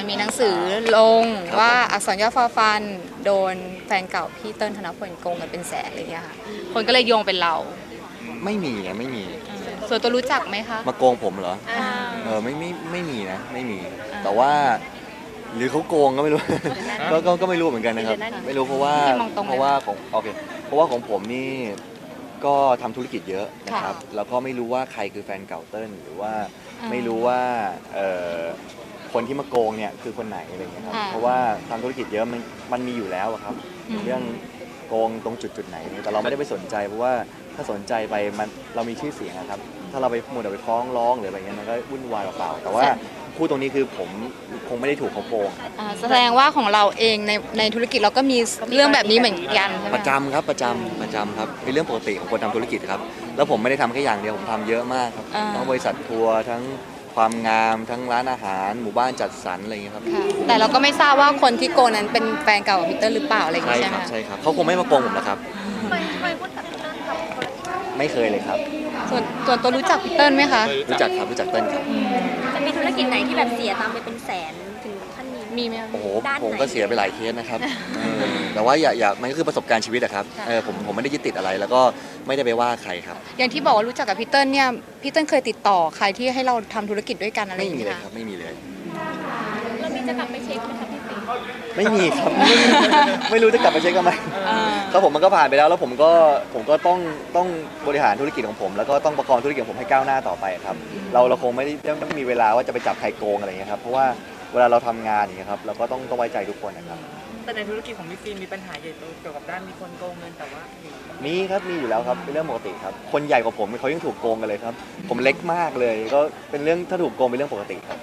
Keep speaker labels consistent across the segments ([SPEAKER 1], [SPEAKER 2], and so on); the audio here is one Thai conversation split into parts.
[SPEAKER 1] มีหนังสือลงว่าอักษรย่อฟอฟันโดนแฟนเก่าพี่เติ้ลธนพลโกงกันเป็นแสนอะไรเงี้ยค่ะคนก็เลยโยงเป็นเรา
[SPEAKER 2] ไม่มีนะไม่มี
[SPEAKER 1] ส่วนตัวรู้จักไหมคะ
[SPEAKER 2] มาโกงผมเหรอไม่มีนะไม่มีแต่ว่าหรือเขาโกงก็ไม่รู้ ก็ไม่รู้เหมือนกันนะครับไม่รู้เพราะว่าของโอเคเพราะว่าของผมนี่ก็ทำธุรกิจเยอะนะครับแล้วก็ไม่รู้ว่าใครคือแฟนเก่าเติ้ลหรือว่าไม่รู้ว่าคนที่มาโกงเนี่ยคือคนไหนอะไรเงี้ยครับเพราะว่าทำธุรกิจเยอะมันมีอยู่แล้วครับเรื่องโกงตรงจุดไหนแต่เราไม่ได้ไปสนใจเพราะว่าถ้าสนใจไปเรามีชื่อเสียงนะครับถ้าเราไปมัวแต่ไปฟ้องร้องหรืออะไรเงี้ยมันก็วุ่นวายเปล่าๆแต่ว่าพูดตรงนี้คือผมคงไม่ได้ถูกเขาโกง
[SPEAKER 1] แสดงว่าของเราเองในธุรกิจเราก็มีเรื่องแบบนี้เหมือนกันใช่ไหม
[SPEAKER 2] ประจำครับประจำครับเป็นเรื่องปกติของคนทำธุรกิจครับแล้วผมไม่ได้ทำแค่อย่างเดียวผมทำเยอะมากครับทั้งบริษัททัวร์ทั้งความงามทั้งร้านอาหารหมู่บ้านจัดสรรอะไรอย่างเงี้ยครับ
[SPEAKER 1] แต่เราก็ไม่ทราบว่าคนที่โกงนั้นเป็นแฟนเก่าของพีเตอร์หรือเปล่าอะไรอย่างเงี้ยใช่ไหม
[SPEAKER 2] ใช่ครับเขาคงไม่มาโกงผมนะครับ
[SPEAKER 3] เคยพูดกับพี่เติ้ลครับ
[SPEAKER 2] ไม่เคยเลยครับ
[SPEAKER 1] ส่วนตัวรู้จักพีเตอร์ไหมคะ
[SPEAKER 2] รู้จักครับรู้จักเติ้ลครับ
[SPEAKER 3] จะมีธุรกิจไหนที่แบบเสียตังค์ไปเป็นแสนถึงขั้นนี้
[SPEAKER 1] มีไหม
[SPEAKER 2] โอ้โหผมก็เสียไปหลายเคสนะครับแต่ว่าอย่ามันก็คือประสบการณ์ชีวิตอะครับผมไม่ได้ยึดติดอะไรแล้วก็ไม่ได้ไปว่าใครครับ
[SPEAKER 1] อย่างที่บอกว่ารู้จักกับพีเตอร์เนี่ยพีเตอร์เคยติดต่อใครที่ให้เราทำธุรกิจด้วยกันอะไรอย่างเงี้ย
[SPEAKER 2] ไม่มีเลยครับไม่มีเลย
[SPEAKER 3] เรามีจะกลับไปเช็คไหมครับพี่ปิ๊ง
[SPEAKER 2] ไม่มีครับไม่รู้จะกลับไปเช็คกันไหมครับผมมันก็ผ่านไปแล้วผมก็ต้องบริหารธุรกิจของผมแล้วก็ต้องประคองธุรกิจของผมให้ก้าวหน้าต่อไปครับเราคงไม่ได้มีเวลาว่าจะไปจับใครโกงอะไรอย่างเงี้ยครับเพราะว่าเวลาเราทำงานอย่างเงี้ยครับเราก็ต้องไว้ใจทุกคนนะครับ
[SPEAKER 4] แต่ในธุรกิจของพี่ฟิล์มมีปัญหาใหญ่โตเกี่ยวกับด้านมีคนโกงเงินแต่ว่า
[SPEAKER 2] มีครับมีอยู่แล้วครับเป็นเรื่องปกติครับคนใหญ่กว่าผมเขายังถูกโกงกันเลยครับผมเล็กมากเลยก็เป็นเรื่องถ้าถูกโกงเป็นเรื่องปกติครับ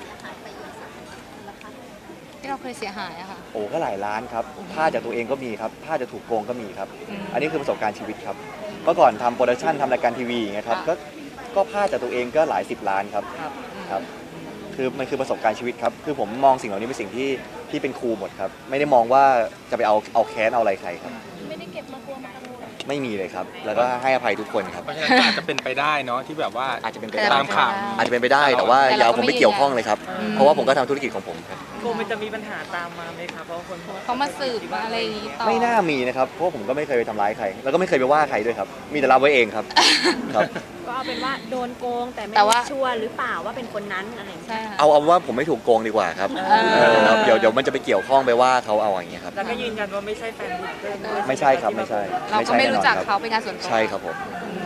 [SPEAKER 1] ที่เราเคยเสียหายอะค่ะ
[SPEAKER 2] โอ้ก็หลายล้านครับพลาดจากตัวเองก็มีครับพลาดจะถูกโกงก็มีครับอันนี้คือประสบการณ์ชีวิตครับเมื่อก่อนทำโปรดักชันทำรายการทีวีอย่างเงี้ยครับก็พลาดจากตัวเองก็หลาย10 ล้านครับครับคือมันคือประสบการณ์ชีวิตครับคือผมมองสิ่งเหล่านี้เป็นสิ่งที่เป็นครูหมดครับไม่ได้มองว่าจะไปเอาแค้นเอาอะไรใครครับ
[SPEAKER 3] ไม่ได้เก็บมาตัวมากังวล
[SPEAKER 2] ไม่มีเลยครับแล้วก็ให้อภัยทุกคนครับ
[SPEAKER 4] เพราะฉะนั้นอาจจะเป็นไปได้เนาะที่แบบว่า
[SPEAKER 2] อาจจะเป็นไป
[SPEAKER 4] ตามข่าว
[SPEAKER 2] อาจจะเป็นไปได้แต่ว่าอย่าเอาผมไปเกี่ยวข้องเลยครับเพราะว่าผมก็ทำธุรกิจของผมครับ
[SPEAKER 4] โกงมันจะมีปัญหาตามมาไหมครับเพราะคน
[SPEAKER 1] เขามาสืบมาอะไรอย่างงี้ต่อ
[SPEAKER 2] ไม่น่ามีนะครับเพราะผมก็ไม่เคยไปทำร้ายใครแล้วก็ไม่เคยไปว่าใครด้วยครับมีแต่รับไว้เองครับครับ
[SPEAKER 3] ก็เอาเป็นว่าโดนโกงแต่ไม่ชัวร์หรือเปล่าว่าเป็นคนนั้นอะไรอย่างเงี้ย
[SPEAKER 2] เอาว่าผมไม่ถูกโกงดีกว่าครับเดี๋ยวมันจะไปเกี่ยวข้องไปว่าเขาเอาอย่างเงี้ยครับ
[SPEAKER 4] แล้วก็ยืนยันว่าไม่ใช่แฟนบุ๊กเกอร์
[SPEAKER 2] ไม่ใช่ครับไม่ใช่
[SPEAKER 1] เราก็ไม่รู้จักเขาเป็นงานส่วนตัว
[SPEAKER 2] ใช่ครับผม